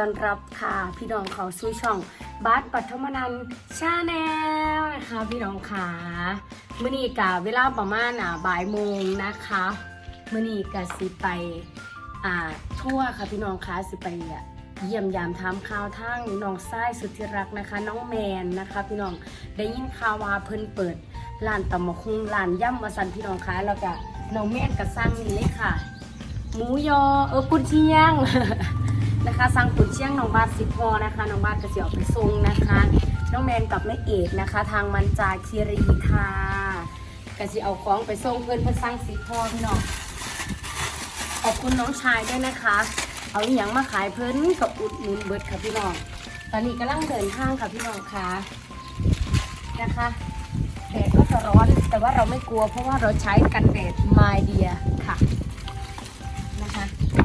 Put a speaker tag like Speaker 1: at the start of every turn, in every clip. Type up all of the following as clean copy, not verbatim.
Speaker 1: ต้อนรับค่ะพี่น้องเขาสู่ช่องบาสปัทมนันท์ชาแนลนะคะพี่น้องขามื้อนี้กะเวลาประมาณบ่ายโมงนะคะมื้อนี้กะสิไปทั่วค่ะพี่น้องคะสิไปเยี่ยมยามถามข่าวทางน้องชายสุดที่รักนะคะน้องแมนนะคะพี่น้องได้ยินข่าวว่าเพิ่นเปิดร้านตำบักหุ่งร้านย่ำมาสั่นพี่น้องคะแล้วก็น้องแมนก็สั่งนี่เลยค่ะหมูยอกุนเชียง นะคะสั่งกุนเชียงน้องบาท10 ห่อนะคะน้องบาทก็จะเอาไปส่งนะคะน้องแมนกับแม่เอกนะคะทางมันจาคีรีค่ะก็จะเอาของไปส่งเพื่อนสั่ง10 ห่อพี่น้องขอบคุณน้องชายด้วยนะคะเอาอย่างมาขายเพิ่นกับอุดหนุนเบิดค่ะพี่น้องตอนนี้กำลังเดินทางค่ะพี่น้องค่ะนะคะแดดก็จะร้อนแต่ว่าเราไม่กลัวเพราะว่าเราใช้กันแดดไมเดียค่ะนะคะ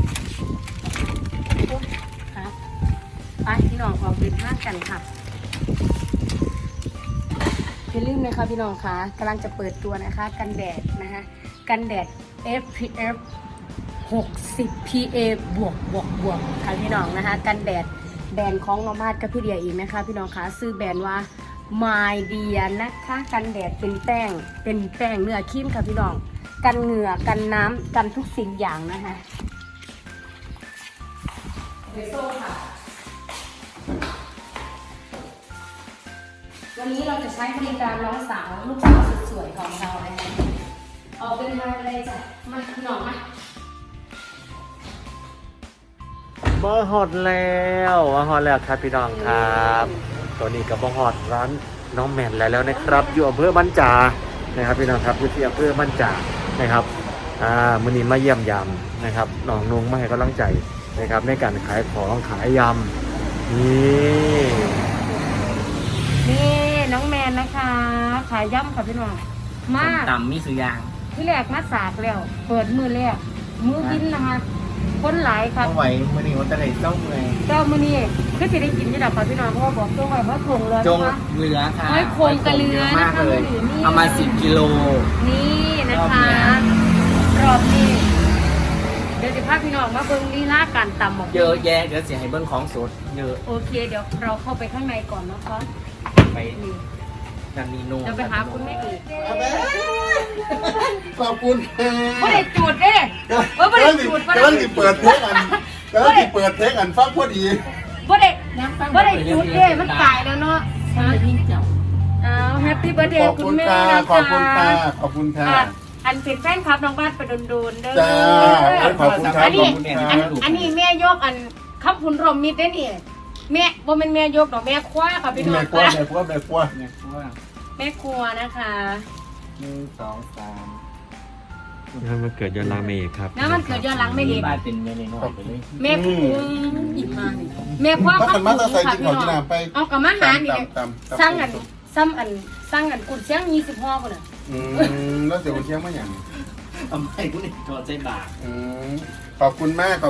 Speaker 1: ครับไปพี่น้องออกเดินทางกันค่ะอย่าลืมนะคะพี่น้องค่ะกำลังจะเปิดตัวนะคะกันแดดนะคะกันแดด SPF 60 PA บวกค่ะพี่น้องนะคะกันแดดแบรนด์ของน้องมาดกับพี่เดียอีกนะคะพี่น้องคะซื้อแบรนด์ว่า My Dear นะคะกันแดดเป็นแป้งเนื้อครีมค่ะพี่น้องกันเหงื่อกันน้ำกันทุกสิ่งอย่างนะคะเบโซ่ค่ะวันนี้เราจะใช้บริการน้องสาวลูกสาวสุดสวยของเรานะคะออกเป็นมาเลยจ้ะมาพี่น้องมา
Speaker 2: บ่ฮอดแล้วครับพี่น้องครับตอนนี้ก็บ่ฮอดร้านน้องแมนแล้วนะครับอยู่อำเภอบ้านจานะครับพี่น้องครับอยู่ที่อำเภอบ้านจานะครับมื้อนี้มาเยี่ยมยามนะครับน้องนุ่งมาให้กำลังใจนะครับในการขายของขายยำ
Speaker 1: นี่น้องแมนนะคะขายย่ำค่ะพี่น้องมาก
Speaker 3: ต่ำมีสุยาง
Speaker 1: ที่แรกมาสากแล้วเปิดมือแรกมือบินนะคะคนหลายครับ
Speaker 3: เอาไว้มื่อนี้วันตะไลเจ้าเมือง
Speaker 1: เจ้ามือนี่ก็จะได้กินที่ดับค่ะพี่น้องเพราะว่าบอกจงไว้ว่าคงเลย
Speaker 3: จงเรือค่ะ
Speaker 1: ไม่คงกระเรือนะ
Speaker 3: คะเลยเอามา10 กิโล
Speaker 1: นี่นะคะรอบนี้เดี๋ยวจะพาพี่น้องมาเบิ้งลีลาการตำหมก
Speaker 3: เยอะแยะเดี๋ยวเสียให้เบิ้งของสดเยอะ
Speaker 1: โอเคเดี๋ยวเราเข้าไปข้างในก่อนนะคะ
Speaker 3: ไปนันนีโน่
Speaker 1: จะไปหาคุณแม่อีก
Speaker 4: ขอบคุณ
Speaker 1: ไม่ได้จูดเด้ไม่ได้จูด
Speaker 4: กำลังติเปิดเทคอันฟังพอดี
Speaker 1: ไม่ได้จูดเด้มันตายแล้วเนาะแฮปปี้เบิร์ดเดย์คุณแม่นะคะ
Speaker 4: ขอบคุณค่ะ
Speaker 1: อันเป็นแฟนคลับน้องบ้านไปโดนๆเด้อ
Speaker 4: ขอบคุณครับ
Speaker 1: อันนี้แม่ยกอันขับคุณรมมิดได้นี่แม่บ่เป็นแม่ยกดอกแม่คว้าค่ะพี่น้อง
Speaker 4: แม่คว้า
Speaker 1: แม่ครัวนะคะ
Speaker 3: 1 2 3
Speaker 2: นั่นมันเกิดย้อนหลังเมย์ครับ
Speaker 1: นั่นมันเกิดย้อนหลังไม่เห็น
Speaker 3: บ้านเป็นแม่ในน้อยไปเลย
Speaker 1: แม่ครัวอีกมาแม่คว้าขับคุณค่ะพี่น้องเอากับมาหานี่สร้างอันกุนเชียง20 ห่อคนน่ะ
Speaker 4: แล้วเสียกุนเชียงมาอย่าง
Speaker 3: ทำไมคุณนี่จอดใจบาป
Speaker 4: ขอบคุณมาก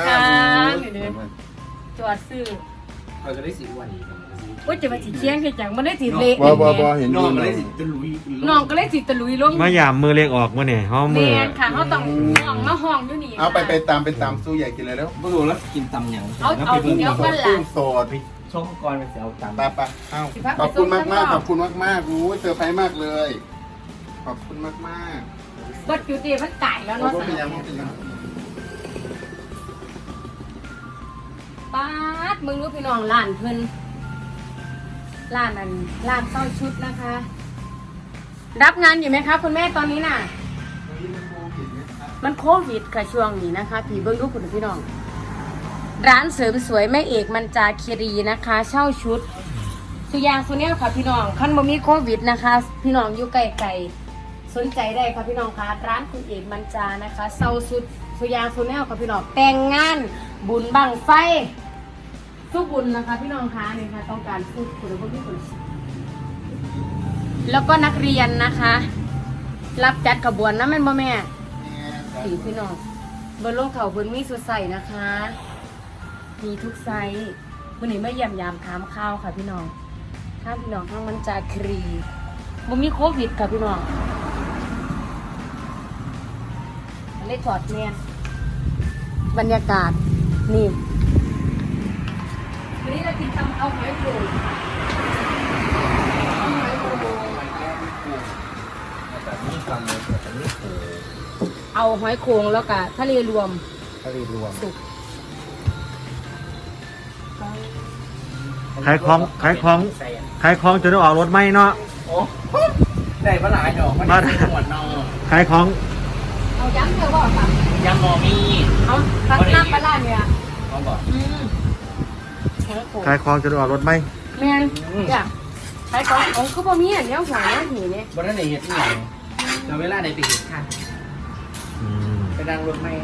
Speaker 1: จอดซื้อ
Speaker 3: เราจะได้สีวัน
Speaker 1: ว่าจะมาสีเชียงแค่จังมันได้สีเละ
Speaker 4: บ่เห็น
Speaker 3: น้องก็ได้สีตะลุย
Speaker 1: น้องก็ได้สีตะลุยลง
Speaker 2: มายามมือเล็กออกมาเนี่ยห้องมือ
Speaker 1: ค่ะเขาต้องห้องมาห้องอยู่นี่
Speaker 4: เอาไปตามสู้ใหญ่กินเลยแล้ว
Speaker 3: ไม่รู้แล้วกินตำอย่าง
Speaker 1: เอาเดี๋ยวกันล่ะ
Speaker 4: โสด
Speaker 3: ช่องก่อนไปเสียเอาตำ
Speaker 4: ไปขอบคุณมากรู้เซอร์ไพรส์มากเลยขอบคุณมาก
Speaker 1: บัดอยู่ดีมันไก่แล้วเนาะป๊าดมึงรู้พี่น้องร้านเพิ่นร้านเต้าชุดนะคะรับงานอยู่ไหมคะคุณแม่ตอนนี้น่ะมันโควิดค่ะช่วงนี้นะคะพี่เบิ้งลูกคุณพี่น้องร้านเสริมสวยแม่เอกมันจาคีรีนะคะเช่าชุดสุยางสุเนียค่ะพี่น้องขั้นบ่มีโควิดนะคะพี่น้องอยู่ไกลๆสนใจได้ค่ะพี่น้องคะร้านคุณเอกมันจานะคะเช่าชุดสุยางสุเนียค่ะพี่น้องแต่งงานบุญบั้งไฟทุกบุญนะคะพี่น้องคะนี่ค่ะต้องการพูดคุณผู้ชมแล้วก็นักเรียนนะคะรับจัดขบวนนะแม่บ่แม่สีพี่น้องบนโลกเขาบนมีสุดใส่นะคะมีทุกไซส์วันนี้ไม่ยามถามข้าวค่ะพี่น้องถ้าพี่น้องทั้งมันจะครีบ่มีโควิดค่ะพี่น้องเลยถอดแมสบรรยากาศนี่วันนี้เรากินตำเอาหอยโขงเอาหอยโขง
Speaker 3: แบบนี้ตำเลยแบบนี้โอ้
Speaker 1: เอาหอยโขงแล้วก็ทะเลรวม
Speaker 3: ทะเลรวม
Speaker 1: สุก
Speaker 2: ขายของจนได้ออกรถไหมเนาะ
Speaker 3: โอ้ได้ปลาหลายดอกมันได้หมดนอ
Speaker 2: ขายของ
Speaker 1: เอาย้ำเถอะว่าค่ะ
Speaker 3: ยังมอมี
Speaker 1: เอาตัดน้ำปลาร้าเนี่ย
Speaker 3: เขาบอก
Speaker 1: หอยโขง
Speaker 2: ขายของจนได้ออกรถไหม
Speaker 1: แม่นอยากขายของของคือบ่มีอันเนี้ยหอยเนี่ยหีเนี่ย
Speaker 3: บนนั้นไหนเห็ดที่ไหนเราเวลาไหนไปเห็ดค่ะ
Speaker 2: อืม
Speaker 3: ไปดังรถไม่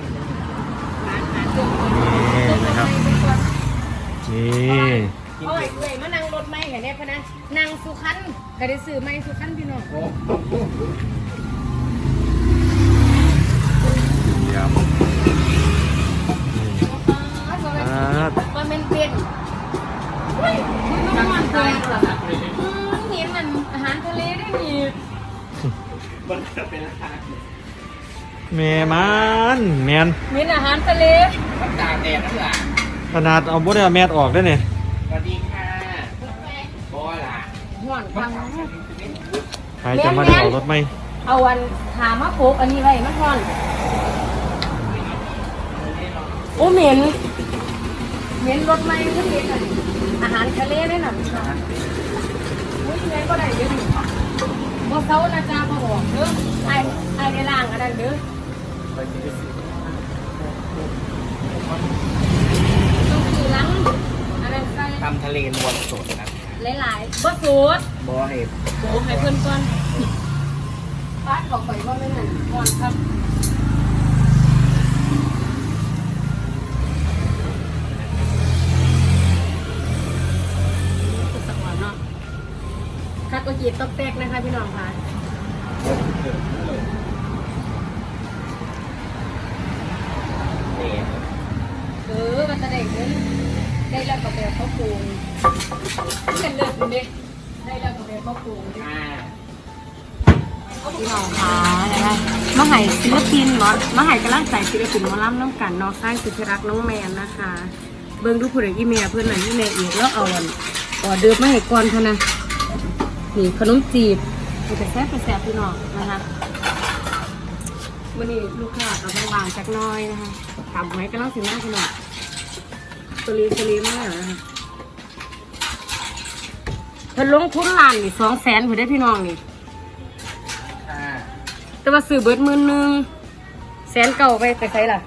Speaker 2: นี่นะครับนี่
Speaker 1: โอ้ยเว้ยมานั่งรถไม่กันเนี่ยพะนะนั่งสุขันก็ได้ซื้อไม่สุขันพี่น้อง
Speaker 3: โอ้
Speaker 2: เยี่ยม
Speaker 1: มันเป็นเฮ้ยมันมันทะเลเหรอคะเห็นมันอาหารทะเลได้มี
Speaker 3: มันจะเป็นราคา
Speaker 2: แม่มันแมน
Speaker 1: เห็นอาหารทะเล
Speaker 3: มันตากแดดนั่นแหละ
Speaker 2: ขนาดเอาบ่ได้เอาแมสออกได้เนี่ย
Speaker 3: สวัสดีค่ะบอล่ะ
Speaker 1: ห่อนฟัง
Speaker 2: ใครจะมาได้ออกรถไหม
Speaker 1: เอาวันถามมาปลูกอันนี้ไว้มาห่อนโอ้เหม็นรถไม่ก็เหม็นอาหารทะเลได้หน่ะอุ้ยแม่ก็ได้เยอะอยู่บ่เซานะจ๊ะบ่บอกเด้อไอ้ได้ล่างอันนั้นเด้อต้องคือล้างอันนั้นใส่
Speaker 3: ทำทะเลรวมสดนะ
Speaker 1: หลายๆบ่สูตร
Speaker 3: บอเห็ด
Speaker 1: โอ้ให้เพิ่นก่อนป้าขอข่อยว่าไม่นั่นก่อนครับสักวันเนาะคัดโอจีต๊อกแตกนะคะพี่น้องค่ะมันจะได้เงินได้แล้วก็แบบเขาปรุงเงินเลิศเด็กได้แล้วก็แบบเขาปรุง
Speaker 3: อ่า
Speaker 1: พี่น้องค่ะนะคะมาให้ศิลปินเนาะมาให้กำลังใจศิลปินหมอลำน้ำกันเนาะค่ายสุธิรักน้องแมนนะคะ เบิ่งดูผู้ใดอีเมียเพื่อนนั่นอีเมียอีกแล้วเอาออเดิร์ฟมาให้ก่อนเท่านั้นนี่ขนมจีบมันจะแซ่บพี่น้องนะคะวันนี้ลูกค้าเอาบางๆจักหน้อยนะคะถามไว้กำลังสิหน้าพี่น้องสลีมากนะคะเพิ่นลงทุนล้านนี่200,000ผู้ได้พี่น้องนี่
Speaker 3: ค่ะ
Speaker 1: แต่ว่าซื้อเบิด11,000100,000ไปใส่ล่ะ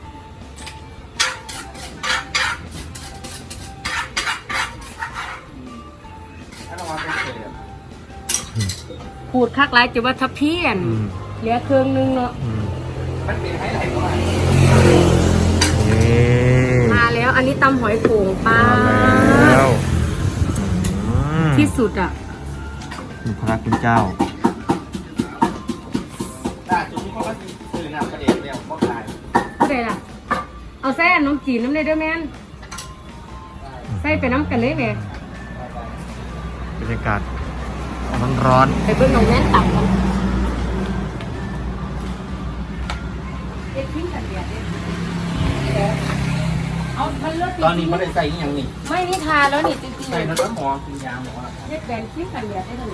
Speaker 3: ถ้าเรามาเป็นเศษ
Speaker 1: พูดคักหลายจะว่าทับเพี้ยนเหลือเครื่องนึงเนาะ
Speaker 3: มันเป็นให้ไหลก่อน
Speaker 2: นี่
Speaker 1: มาแล้วอันนี้ตำหอยโขงป้า
Speaker 2: มาแล้ว
Speaker 1: ที่สุดอ่ะ
Speaker 2: คุณพระคุณเจ้า
Speaker 3: ล่าสุดนี้เขาก็ซื้อน้ำกระเด็นแล้วก็ขาย
Speaker 1: ผู้ใดล่ะ เอาแซ่น้ำจีนน้ำเลยเด้อแม่นใส่ไปน้ำกันเลยแม่
Speaker 2: บรรยากาศร้อน
Speaker 1: ไปเบิ่งน้องแม่นตับกันเอ็ดทิ้งกันเดียดเอามันเลือด
Speaker 3: ตอนนี้ไม่ได้ใส่ยังนี่
Speaker 1: ไม่นี่ทาแล้วนี่จริง
Speaker 3: ใส่น้ำหอมกินยาหมอ
Speaker 1: ๆเฮ็ดแบนทิ้งกันเดียดได้เลย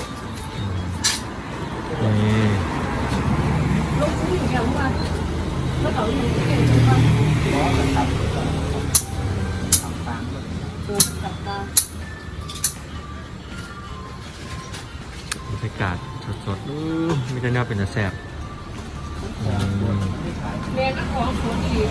Speaker 2: ๆนี่
Speaker 1: ลูกผู้หญิงอย่างว่าเมื่อเขาอยู่ที่เก่งจังว่า
Speaker 3: หมอจะตับทำตาม
Speaker 1: จับตา
Speaker 2: บรรยากาศสดๆมีแต่แนวเป็นแต่แสบอืม
Speaker 1: แม่ก็ของสวยอีก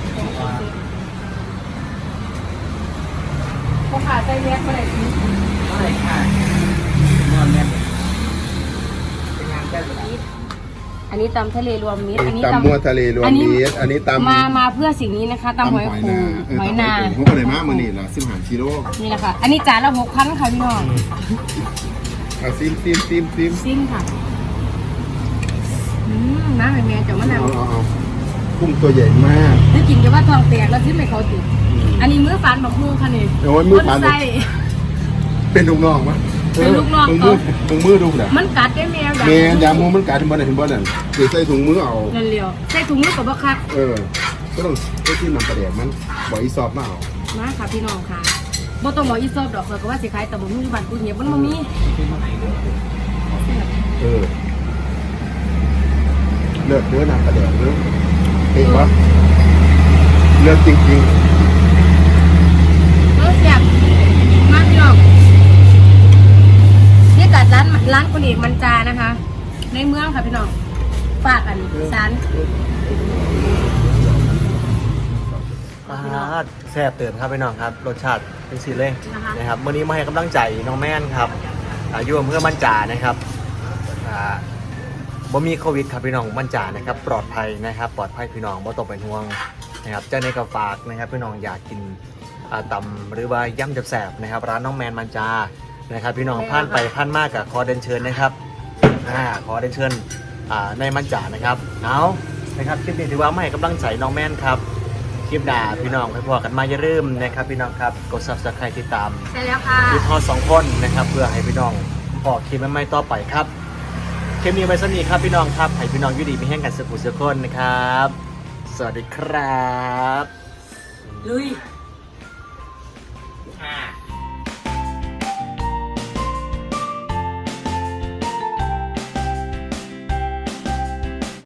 Speaker 1: พอขาใส่แมสมาไหนที
Speaker 3: ไม่ค่ะนอนแน่เป็นงานแก้แบบนี้
Speaker 1: อันนี้ตำทะเลรวมมิตรอันนี้
Speaker 4: ตำมัวทะเลรวมมิตรอันนี้ตำ
Speaker 1: มาเพื่อสิ่งนี้นะคะตำหอยโขงหอยนา
Speaker 4: เขาอะไรมากมือนี่ล่ะ15กิโล
Speaker 1: นี่แหละค่ะ อันนี้จานละ6,000ค่ะพี่น้อง
Speaker 4: เอาซิม
Speaker 1: ซิ่งค่ะน้ำแม่จะมะนาว
Speaker 4: เอากุ้งตัวใหญ่มาก
Speaker 1: นี่กินจะว่าทองแตกแล้วซิ่งไม่เขาติดอันนี้มื้อฟันบักมูค่ะนี่
Speaker 4: โอ้ยมือฟัน
Speaker 1: ไส้
Speaker 4: เป็นลูกน้องมั้ย
Speaker 1: เป็นลูกน้อง
Speaker 4: มึงมือดูแหละ
Speaker 1: มันกัดได้แมว
Speaker 4: แม่ยามูมันกัดที่บ้านไหนที่บ้านนั่นคือใส่ถุงมือเอา
Speaker 1: เร็วๆใส่ถุงมือกับบักคัก
Speaker 4: ก็ต้องที่มันประเดี๋ยวมันบอกอีสอบมาเอา
Speaker 1: มาค่ะพี่น้องค่ะบ่ต้องบอกอีซอบดอกเขาก็ว่าสิขายแต่บ่มีอยู่บ้านกูเหียบมันบ่มี
Speaker 4: เลือกเนื้อหนักกระเดกเนื้อเองวะเลือกจริง
Speaker 1: แซ่บมากพี่น้องนี่กัดร้านคุณเอกมันจานะคะ ในเมืองค่ะพี่น้องฝากกันร้าน
Speaker 2: แซ่บเติมครับพี่น้องครับรสชาติเป็นสีเลยนะครับวันนี้มาให้กำลังใจน้องแม่นครับอยู่อำเภอมั่นจานะครับบ่มีโควิดครับพี่น้องมั่นจานะครับปลอดภัยนะครับปลอดภัยพี่น้องบ่ต้องเป็นห่วงนะครับเจ้าในกระฝากนะครับพี่น้องอยากกินตำหรือว่าย่ำจับแสบนะครับร้านน้องแมนมั่นจานะครับพี่น้องผ่านไปผ่านมากกับขอเดินเชิญนะครับขอเดินเชิญในมั่นจานะครับเอานะครับคลิปนี้ถือว่ามาให้กำลังใจน้องแมนครับคลิปหน้าพี่น้องไปพอกันมาอย่าลืมนะครับพี่น้องครับกด Subscribe ติดตาม
Speaker 1: ใช่แล้วค่ะ
Speaker 2: คลิปพอ2คนนะครับเพื่อให้พี่น้องพอคลิปใหม่ๆต่อไปครับคลิปนี้ไว้สนิทครับพี่น้องครับให้พี่น้องอยู่ดีมีแห้งกันสุขสุขคนนะครับสวัสดีครับ
Speaker 1: ลุย
Speaker 3: อ่า